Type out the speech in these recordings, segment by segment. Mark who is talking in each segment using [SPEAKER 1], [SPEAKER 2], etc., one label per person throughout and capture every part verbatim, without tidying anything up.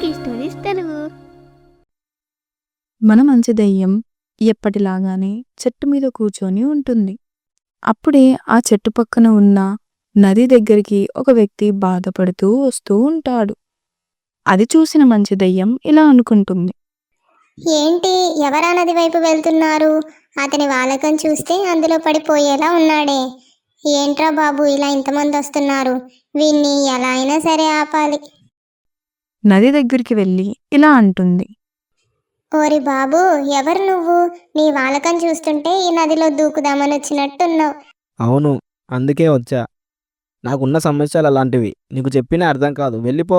[SPEAKER 1] Mickey stories Telugu.
[SPEAKER 2] మన మంచి దెయ్యం ఎప్పటిలాగానే చెట్టు మీద కూర్చొని ఉంటుంది. అప్పుడే ఆ చెట్టు పక్కన ఉన్న నది దగ్గరికి ఒక వ్యక్తి బాధపడుతూ వస్తూ ఉంటాడు. అది చూసిన మంచి దెయ్యం ఇలా అనుకుంటుంది.
[SPEAKER 3] ఏంటి ఎవరా నది వైపు వెళ్తున్నారు? అతని వాలకం చూస్తే అందులో పడిపోయేలా ఉన్నాడే. ఏంట్రా బాబు ఇలా ఇంతమంది వస్తున్నారు? వీన్ని ఎలా అయినా సరే ఆపాలి.
[SPEAKER 2] నది దగ్గరికి వెళ్ళి ఇలా అంటుంది.
[SPEAKER 3] ఓరి బాబు, ఎవరు నువ్వు? నీ వాలకం చూస్తుంటే ఈ నదిలో దూకుదామని వచ్చినట్టున్నావు.
[SPEAKER 4] అవును, అందుకే వచ్చా. నాకున్న సమస్యలు అలాంటివి, నీకు చెప్పినా అర్థం కాదు, వెళ్ళిపో.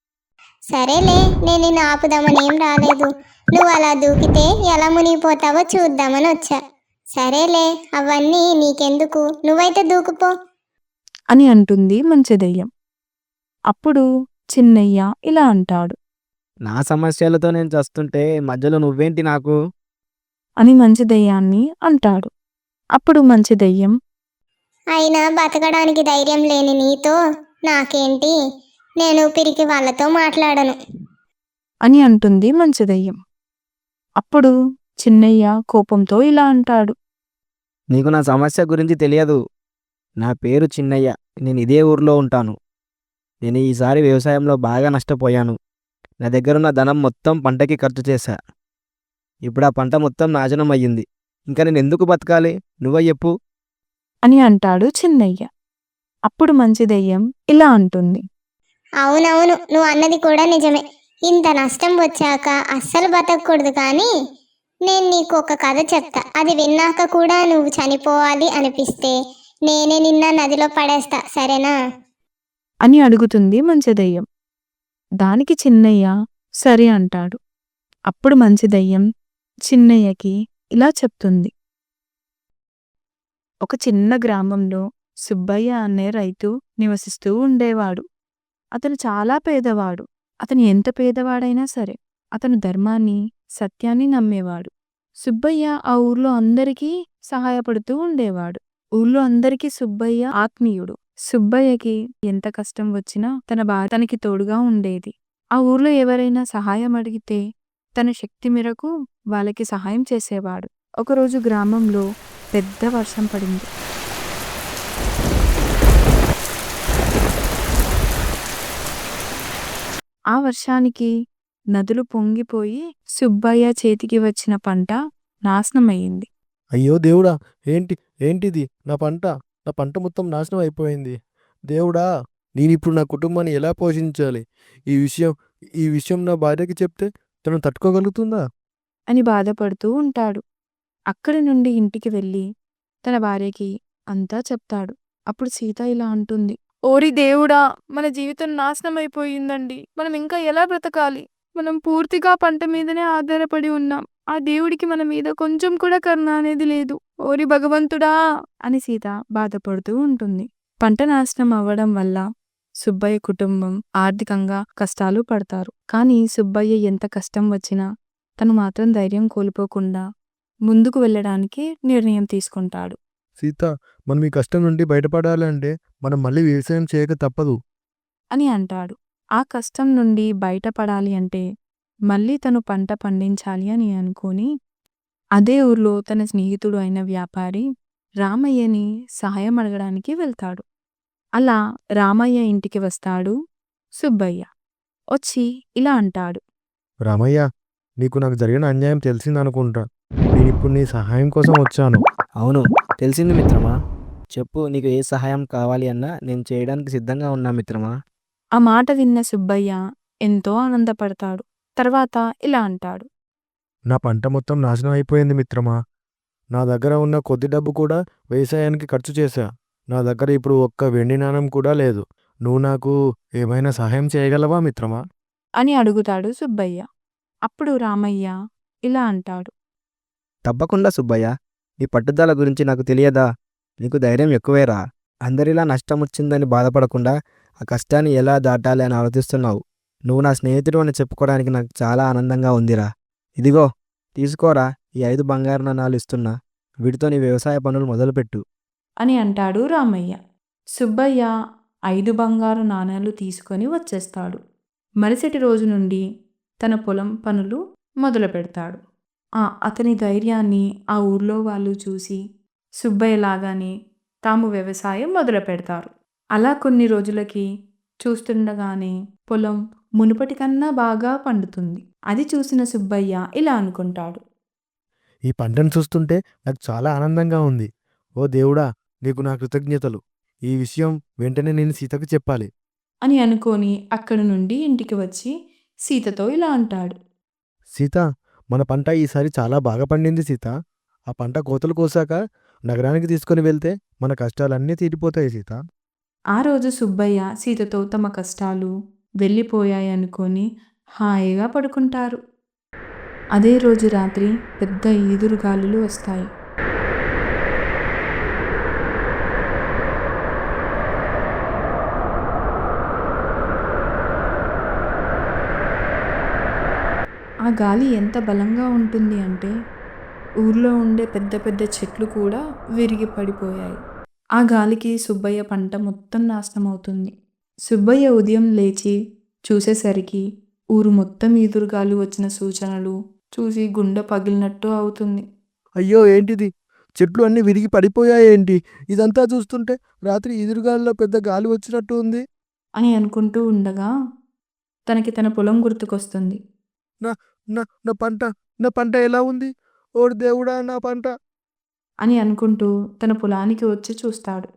[SPEAKER 3] సరేలే, నేను నిన్ను ఆపుదామని ఏం రాలేదు. నువ్వు అలా దూకితే ఎలా మునిగిపోతావో చూద్దామని వచ్చా. సరేలే, అవన్నీ నీకెందుకు, నువ్వైతే దూకుపో
[SPEAKER 2] అని అంటుంది మంచి దెయ్యం. అప్పుడు చిన్నయ్య ఇలా అంటాడు.
[SPEAKER 4] నా సమస్యలతో నేను చస్తుంటే మధ్యలో నువ్వేంటి నాకు?
[SPEAKER 2] అని మంచి దెయ్యాన్ని అంటాడు. అప్పుడు మంచి దెయ్యం
[SPEAKER 3] అయినా బతకడానికి ధైర్యం లేని నీతో నాకేంటి, నేను పిరికి వాళ్ళతో మాట్లాడను
[SPEAKER 2] అని అంటుంది మంచి దెయ్యం. అప్పుడు చిన్నయ్య కోపంతో ఇలా అంటాడు.
[SPEAKER 4] నీకు నా సమస్య గురించి తెలియదు. నా పేరు చిన్నయ్య, నేను ఇదే ఊర్లో ఉంటాను. నేను ఈసారి వ్యవసాయంలో బాగా నష్టపోయాను. నా దగ్గరున్న ధనం మొత్తం పంటకి ఖర్చు చేశా. ఇప్పుడు ఆ పంట మొత్తం నాశనం అయ్యింది. ఇంకా నేను ఎందుకు బతకాలి? నువ్వే చెప్పు.
[SPEAKER 2] అని అంటాడు చిన్నయ్య. అప్పుడు మంచి దెయ్యం ఇలా అంటుంది.
[SPEAKER 3] అవునవును, నువ్వు అన్నది కూడా నిజమే. ఇంత నష్టం వచ్చాక అస్సలు బతకూడదు. కానీ నేను నీకు ఒక కథ చెప్తా. అది విన్నాక కూడా నువ్వు చనిపోవాలి అనిపిస్తే నేనే నిన్న నదిలో పడేస్తా, సరేనా?
[SPEAKER 2] అని అడుగుతుంది మంచి దెయ్యం. దానికి చిన్నయ్య సరే అంటాడు. అప్పుడు మంచి దెయ్యం చిన్నయ్యకి ఇలా చెప్తుంది. ఒక చిన్న గ్రామంలో సుబ్బయ్య అనే రైతు నివసిస్తూ ఉండేవాడు. అతను చాలా పేదవాడు. అతను ఎంత పేదవాడైనా సరే అతను ధర్మాన్ని, సత్యాన్ని నమ్మేవాడు. సుబ్బయ్య ఆ ఊర్లో అందరికీ సహాయపడుతూ ఉండేవాడు. ఊర్లో అందరికీ సుబ్బయ్య ఆత్మీయుడు. సుబ్బయ్యకి ఎంత కష్టం వచ్చినా తన భార్య తనకి తోడుగా ఉండేది. ఆ ఊర్లో ఎవరైనా సహాయం అడిగితే తన శక్తి మేరకు వాళ్ళకి సహాయం చేసేవాడు. ఒకరోజు గ్రామంలో పెద్ద వర్షం పడింది. ఆ వర్షానికి నదులు పొంగిపోయి సుబ్బయ్య చేతికి వచ్చిన పంట నాశనమయ్యింది.
[SPEAKER 5] అయ్యో దేవుడా, ఏంటి ఏంటిది? నా పంట నా పంట మొత్తం నాశనం అయిపోయింది. దేవుడా, నేనిప్పుడు నా కుటుంబాన్ని ఎలా పోషించాలి? ఈ విషయం ఈ విషయం నా భార్యకి చెప్తే తను తట్టుకోగలుగుతుందా?
[SPEAKER 2] అని బాధపడుతూ ఉంటాడు. అక్కడి నుండి ఇంటికి వెళ్ళి తన భార్యకి అంతా చెప్తాడు. అప్పుడు సీత ఇలా అంటుంది. ఓరి దేవుడా, మన జీవితం నాశనమైపోయిందండి. మనం ఇంకా ఎలా బ్రతకాలి? మనం పూర్తిగా పంట మీదనే ఆధారపడి ఉన్నాం. ఆ దేవుడికి మన మీద కొంచెం కూడా కరుణ అనేది లేదు. ఓరి భగవంతుడా అని సీత బాధపడుతూ ఉంటుంది. పంట నాశనం అవ్వడం వల్ల సుబ్బయ్య కుటుంబం ఆర్థికంగా కష్టాలు పడతారు. కానీ సుబ్బయ్య ఎంత కష్టం వచ్చినా తను మాత్రం ధైర్యం కోల్పోకుండా ముందుకు వెళ్ళడానికి నిర్ణయం తీసుకుంటాడు.
[SPEAKER 5] సీత, మనం ఈ కష్టం నుండి బయటపడాలంటే మనం మళ్ళీ వ్యవసాయం చేయక తప్పదు
[SPEAKER 2] అని అంటాడు. ఆ కష్టం నుండి బయటపడాలి అంటే మళ్ళీ తను పంట పండించాలి అని అనుకుని అదే ఊర్లో తన స్నేహితుడు అయిన వ్యాపారి రామయ్యని సహాయం అడగడానికి వెళ్తాడు. అలా రామయ్య ఇంటికి వస్తాడు సుబ్బయ్య. వచ్చి ఇలా అంటాడు.
[SPEAKER 5] రామయ్య, నీకు నాకు జరిగిన అన్యాయం తెలిసిందనుకుంటా. నేనిప్పుడు నీ సహాయం కోసం వచ్చాను.
[SPEAKER 4] అవును, తెలిసింది మిత్రమా. చెప్పు, నీకు ఏ సహాయం కావాలి అన్నా నేను చేయడానికి సిద్ధంగా ఉన్నా మిత్రమా.
[SPEAKER 2] ఆ మాట విన్న సుబ్బయ్య ఎంతో ఆనందపడతాడు. తర్వాత ఇలా అంటాడు.
[SPEAKER 5] నా పంట మొత్తం నాశనం అయిపోయింది మిత్రమా. నా దగ్గర ఉన్న కొద్ది డబ్బు కూడా వ్యవసాయానికి ఖర్చు చేశా. నా దగ్గర ఇప్పుడు ఒక్క వెండి నాణెం కూడా లేదు. నువ్వు నాకు ఏమైనా సహాయం చేయగలవా మిత్రమా?
[SPEAKER 2] అని అడుగుతాడు సుబ్బయ్య. అప్పుడు రామయ్య ఇలా అంటాడు.
[SPEAKER 4] తప్పకుండా సుబ్బయ్య, నీ పట్టుదల గురించి నాకు తెలియదా? నీకు ధైర్యం ఎక్కువేరా. అందరిలా నష్టం వచ్చిందని బాధపడకుండా ఆ కష్టాన్ని ఎలా దాటాలి అని ఆలోచిస్తున్నావు. నువ్వు నా స్నేహితుడు అని చెప్పుకోవడానికి నాకు చాలా ఆనందంగా ఉందిరా. ఇదిగో తీసుకోరా, ఈ ఐదు బంగారు నాణాలు ఇస్తున్నా. వీటితో నీ వ్యవసాయ పనులు మొదలుపెట్టు
[SPEAKER 2] అని అంటాడు రామయ్య. సుబ్బయ్య ఐదు బంగారు నాణేలు తీసుకొని వచ్చేస్తాడు. మరుసటి రోజు నుండి తన పొలం పనులు మొదలు పెడతాడు. ఆ అతని ధైర్యాన్ని ఆ ఊర్లో వాళ్ళు చూసి సుబ్బయ్య లాగానే తాము వ్యవసాయం మొదలు పెడతారు. అలా కొన్ని రోజులకి చూస్తుండగానే పొలం మునుపటి కన్నా బాగా పండుతుంది. అది చూసిన సుబ్బయ్య ఇలా అనుకుంటాడు.
[SPEAKER 5] ఈ పంటను చూస్తుంటే నాకు చాలా ఆనందంగా ఉంది. ఓ దేవుడా, నీకు నా కృతజ్ఞతలు. ఈ విషయం వెంటనే నేను సీతకు చెప్పాలి.
[SPEAKER 2] అని అనుకొని అక్కడి నుండి ఇంటికి వచ్చి సీతతో ఇలా అంటాడు.
[SPEAKER 5] సీత, మన పంట ఈసారి చాలా బాగా పండింది సీత. ఆ పంట కోతలు కోసాక నగరానికి తీసుకొని వెళ్తే మన కష్టాలన్నీ తీరిపోతాయి సీత.
[SPEAKER 2] ఆ రోజు సుబ్బయ్య సీతతో తమ కష్టాలు వెళ్ళిపోయాయనుకొని హాయిగా పడుకుంటారు. అదే రోజు రాత్రి పెద్ద ఈదురుగాలులు వస్తాయి. ఆ గాలి ఎంత బలంగా ఉంటుంది అంటే ఊర్లో ఉండే పెద్ద పెద్ద చెట్లు కూడా విరిగి పడిపోయాయి. ఆ గాలికి సుబ్బయ్య పంట మొత్తం నాశనమవుతుంది. సుబ్బయ్య ఉదయం లేచి చూసేసరికి ఊరు మొత్తం ఈదురుగాలు వచ్చిన సూచనలు చూసి గుండె పగిలినట్టు అవుతుంది.
[SPEAKER 5] అయ్యో, ఏంటిది? చెట్లు అన్నీ విరిగి పడిపోయాయేంటి? ఇదంతా చూస్తుంటే రాత్రి ఎదురుగాల్లో పెద్ద గాలి వచ్చినట్టు ఉంది.
[SPEAKER 2] అని అనుకుంటూ ఉండగా తనకి తన పొలం గుర్తుకొస్తుంది.
[SPEAKER 5] నా నా నా పంట నా పంట ఎలా ఉంది? ఓ దేవుడా, నా పంట!
[SPEAKER 2] అని అనుకుంటూ తన పొలానికి వచ్చి చూస్తాడు.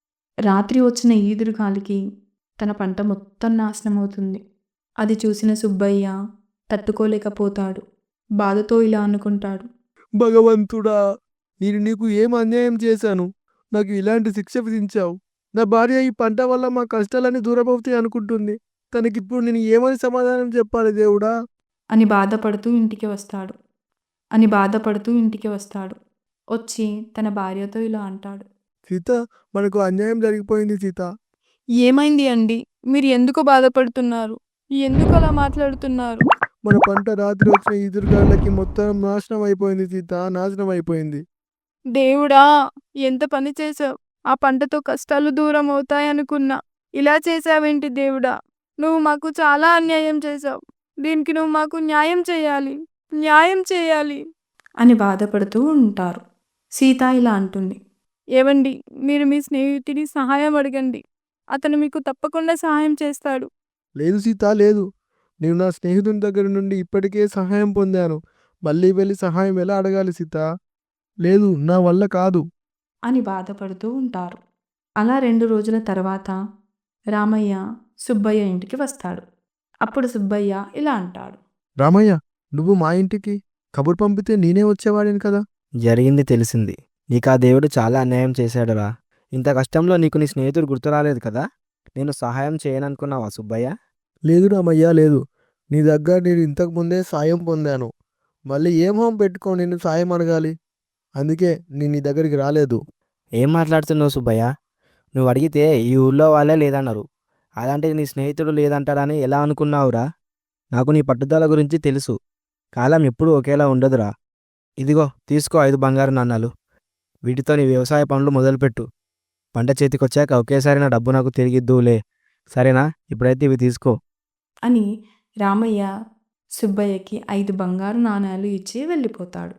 [SPEAKER 2] రాత్రి వచ్చిన ఈదురుగాలికి తన పంట మొత్తం నాశనమవుతుంది. అది చూసిన సుబ్బయ్య తట్టుకోలేకపోతాడు. బాధతో ఇలా అనుకుంటాడు.
[SPEAKER 5] భగవంతుడా, నేను నీకు ఏం అన్యాయం చేశాను? నాకు ఇలాంటి శిక్ష విధించావు. నా భార్య ఈ పంట వల్ల మా కష్టాలన్నీ దూరమవుతాయి అనుకుంటుంది. తనకిప్పుడు నేను ఏమని సమాధానం చెప్పాలి దేవుడా?
[SPEAKER 2] అని బాధపడుతూ ఇంటికి వస్తాడు. అని బాధపడుతూ ఇంటికి వస్తాడు. వచ్చి తన భార్యతో ఇలా అంటాడు.
[SPEAKER 5] సీత, మనకు అన్యాయం జరిగిపోయింది సీత.
[SPEAKER 2] ఏమైంది అండి? మీరు ఎందుకు బాధపడుతున్నారు? ఎందుకు అలా మాట్లాడుతున్నారు?
[SPEAKER 5] మన పంట రాత్రి వచ్చిన ఎదురుగాళ్ళకి మొత్తం నాశనం అయిపోయింది సీత, నాశనం అయిపోయింది.
[SPEAKER 2] దేవుడా, ఎంత పని చేసావు! ఆ పంటతో కష్టాలు దూరం అవుతాయనుకున్నా. ఇలా చేసావేంటి దేవుడా? నువ్వు మాకు చాలా అన్యాయం చేసావు. దీనికి నువ్వు మాకు న్యాయం చేయాలి, న్యాయం చేయాలి అని బాధపడుతూ ఉంటారు. సీత ఇలా అంటుంది. ఏవండి, మీరు మీ స్నేహితుడి సహాయం అడగండి. అతను మీకు తప్పకుండా సహాయం చేస్తాడు.
[SPEAKER 5] లేదు సీత, లేదు. నేను నా స్నేహితుని దగ్గర నుండి ఇప్పటికే సహాయం పొందాను. మళ్ళీ వెళ్ళి సహాయం ఎలా అడగాలి సీత? లేదు, నా వల్ల కాదు
[SPEAKER 2] అని బాధపడుతూ ఉంటారు. అలా రెండు రోజుల తర్వాత రామయ్య సుబ్బయ్య ఇంటికి వస్తాడు. అప్పుడు సుబ్బయ్య ఇలా అంటాడు.
[SPEAKER 5] రామయ్య, నువ్వు మా ఇంటికి కబురు పంపితే నేనే వచ్చేవాడిని కదా.
[SPEAKER 4] జరిగింది తెలిసింది. నీకు ఆ దేవుడు చాలా అన్యాయం చేశాడురా. ఇంత కష్టంలో నీకు నీ స్నేహితుడు గుర్తు రాలేదు కదా? నేను సహాయం చేయననుకున్నావా సుబ్బయ్య?
[SPEAKER 5] లేదు రామయ్య, లేదు. నీ దగ్గర నేను ఇంతకు ముందే సాయం పొందాను. మళ్ళీ ఏం హోం పెట్టుకో నేను సాయం అడగాలి. అందుకే నేను నీ దగ్గరికి రాలేదు.
[SPEAKER 4] ఏం మాట్లాడుతున్నావు సుబ్బయ్య? నువ్వు అడిగితే ఈ ఊళ్ళో వాళ్ళే లేదన్నారు. అలాంటిది నీ స్నేహితుడు లేదంటాడని ఎలా అనుకున్నావురా? నాకు నీ పట్టుదల గురించి తెలుసు. కాలం ఎప్పుడూ ఒకేలా ఉండదురా. ఇదిగో తీసుకో ఐదు బంగారు నాణాలు. వీటితో నీ వ్యవసాయ పనులు మొదలుపెట్టు. పంట చేతికొచ్చాక ఒకేసారి నా డబ్బు నాకు తిరిగిద్దువులే, సరేనా? ఇప్పుడైతే ఇవి తీసుకో
[SPEAKER 2] అని రామయ్య సుబ్బయ్యకి ఐదు బంగారు నాణేలు ఇచ్చి వెళ్ళిపోతాడు.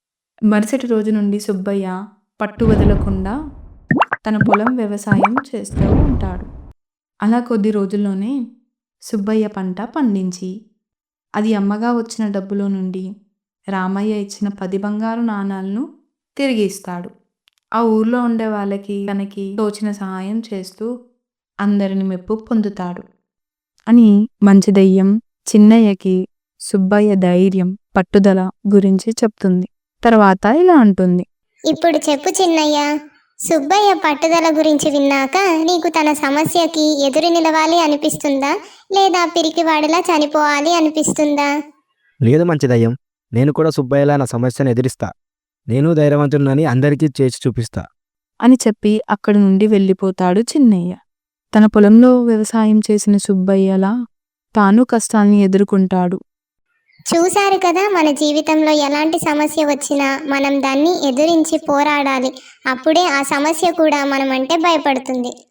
[SPEAKER 2] మరుసటి రోజు నుండి సుబ్బయ్య పట్టు వదలకుండా తన పొలం వ్యవసాయం చేస్తూ ఉంటాడు. అలా కొద్ది రోజుల్లోనే సుబ్బయ్య పంట పండించి అది అమ్మగా వచ్చిన డబ్బులో నుండి రామయ్య ఇచ్చిన పది బంగారు నాణాలను తిరిగి ఇస్తాడు. ఆ ఊర్లో ఉండే వాళ్ళకి తనకి తోచిన సహాయం చేస్తూ అందరిని మెప్పు పొందుతాడు అని మంచి దెయ్యం చిన్నయ్యకి సుబ్బయ్య ధైర్యం పట్టుదల గురించి చెప్తుంది. తర్వాత ఇలా అంటుంది.
[SPEAKER 3] ఇప్పుడు చెప్పు చిన్నయ్య, సుబ్బయ్య పట్టుదల గురించి విన్నాక నీకు తన సమస్యకి ఎదురు నిలవాలి అనిపిస్తుందా, లేదా పిరికివాడిలా చనిపోవాలి అనిపిస్తుందా?
[SPEAKER 4] లేదు మంచి దయ్యం, నేను కూడా సుబ్బయ్యలా నా సమస్యను ఎదిరిస్తా. నేను ధైర్యవంతుడినని అందరికీ చేసి చూపిస్తా
[SPEAKER 2] అని చెప్పి అక్కడి నుండి వెళ్ళిపోతాడు చిన్నయ్య. తన పొలంలో వ్యవసాయం చేసిన సుబ్బయ్యలా తాను కష్టాన్ని ఎదుర్కొంటాడు.
[SPEAKER 3] చూశారు కదా, మన జీవితంలో ఎలాంటి సమస్య వచ్చినా మనం దాన్ని ఎదురించి పోరాడాలి. అప్పుడే ఆ సమస్య కూడా మనమంటే భయపడుతుంది.